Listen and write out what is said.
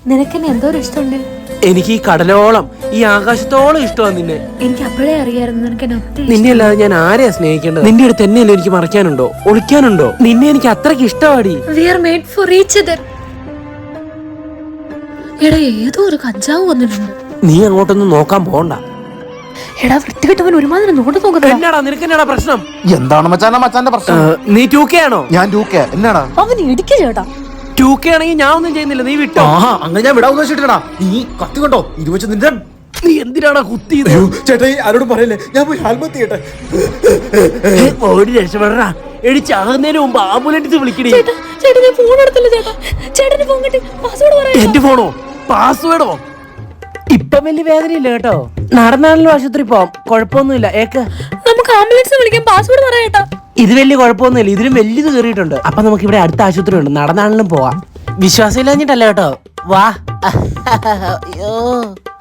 നിനക്കെന്നെ എന്തോ ഒരു ഇഷ്ടമുണ്ട്. എനിക്ക് ഈ കടലോളം ഈ ആകാശത്തോളം ഇഷ്ടമാണ് നിന്നെ. എനിക്ക് അപ്പോഴേ അറിയായിരുന്നു നിനക്ക് എന്നെ ഒത്തിരി. നിന്നെ അല്ലാതെ ഞാൻ ആരെയാ സ്നേഹിക്കേണ്ടത്? നിന്റെ അടുത്ത് തന്നെയല്ലേ എനിക്ക് മറക്കാനുണ്ടോ, ഒളിക്കാനുണ്ടോ? നിന്നെ എനിക്ക് അത്രയ്ക്ക് ഇഷ്ടമാടി. We are made for each other. എടാ ഏതോ ഒരു കഞ്ചാവ് വന്നിട്ടുണ്ട്. നീ അങ്ങോട്ടൊന്നും നോക്കാൻ പോണ്ട. എടാ വൃത്തികെട്ടവൻ ഒരുമാതിരി നോക്കുന്നത്. എന്നാടാ നിനക്ക് എന്നാടാ പ്രശ്നം? എന്താണ് മച്ചാന്റെ പ്രശ്നം? നീ 2K ആണോ? ഞാൻ 2K. എന്നാടാ അവൻ ഇടിക്ക് ചേട്ടാ. 2K ആണെങ്കിൽ ഞാൻ ഒന്നും ചെയ്യുന്നില്ല, നീ വിട്ടോ. അങ്ങനെ ഞാൻ വിടാൻ ഉദ്ദേശിച്ചിട്ടാ. നീ കത്തി കണ്ടോ? ഇത് വെച്ച് നിന്റെ നീ എന്തിനാടാ കുത്തിയത്? ചേട്ടാ ആരോടും പറയല്ലേ, ഞാൻ പോയി ആത്മഹത്യ ചെയ്യട്ടെ. ഓടി രക്ഷപ്പെടാ. എടിച്ചാകുന്നതിന് മുമ്പ് ആംബുലൻസ് വിളിക്കണേ. ചേട്ടാ ഞാൻ ഫോൺ എടുത്തില്ല ചേട്ടാ. ചേട്ടന് ഫോൺ കിട്ടി. പാസ്വേഡ് പറയാ. എന്റെ ഫോണോ? പാസ്വേഡോ? ഇപ്പൊ വലിയ വേദനയില്ല കേട്ടോ. നടന്നാണല്ലോ ആശുപത്രി പോവാം, കുഴപ്പമൊന്നുമില്ല. നമുക്ക് ആംബുലൻസ് വിളിക്കാൻ പാസ്വേഡ് പറയാ. ഇത് വലിയ കുഴപ്പമൊന്നുമില്ല, ഇതിലും വലിയത് കയറിയിട്ടുണ്ട്. അപ്പൊ നമുക്ക് ഇവിടെ അടുത്ത ആശുപത്രി ഉണ്ട്, നടന്നാണെങ്കിലും പോവാം. വിശ്വാസം ഇല്ലാഞ്ഞിട്ടല്ല കേട്ടോ, വാ. അയ്യോ.